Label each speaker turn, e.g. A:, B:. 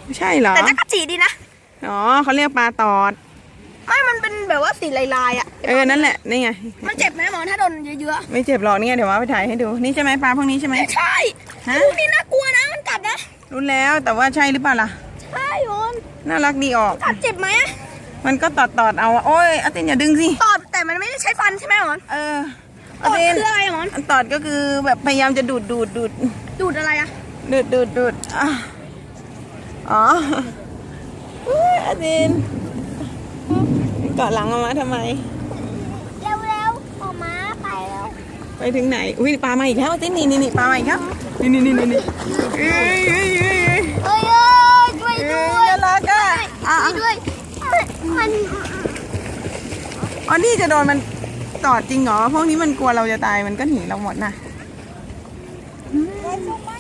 A: ไม่ใช่เหรอ
B: แต่จักรจีดีนะ
A: อ๋อเขาเรียกปลาตอด
B: ไม่มันเป็นแบบว่าสีลายๆอ่ะ
A: นั่นแหละนี่ไง
B: มันเจ็บไหมหมอถ้าโดนเยอะ
A: ไม่เจ็บหรอกนี่ไงเดี๋ยวว่าไปถ่ายให้ดูนี่ใช่ไหมปลาพวกนี้ใช่ไหม
B: ใช่ลูกนี่น่ากลัวนะมันกัดนะ
A: รู้แล้วแต่ว่าใช่หรือเปล่าล่ะ
B: ใช่หมอน
A: น่ารักดีออก
B: กัดเจ็บไหมอะ
A: มันก็ตอดเอาโอ้ยอาตินอย่าดึงสิ
B: ตอดแต่มันไม่ได้ใช้ฟันใช่ไหมหมอน
A: อาติน
B: คืออะไรหมอน
A: ตอดก็คือแบบพยายามจะดูด
B: อะไรอะ
A: ดูดอ๋ออาตินเกาะหลังมาทำไม
B: เร็วออกมาไปแล้ว
A: ไปถึงไหนอุ้ยปลามาอีกแล้วอาตินนี่ปลามาอีกครับนี่เอ้ย
B: ช่วยด้วย
A: น่ารักอ่ะ
B: ช่วยด้วยมัน
A: อ๋อนี่จะโดนมันตอดจริงเหรอพวกนี้มันกลัวเราจะตายมันก็หนีเราหมดนะ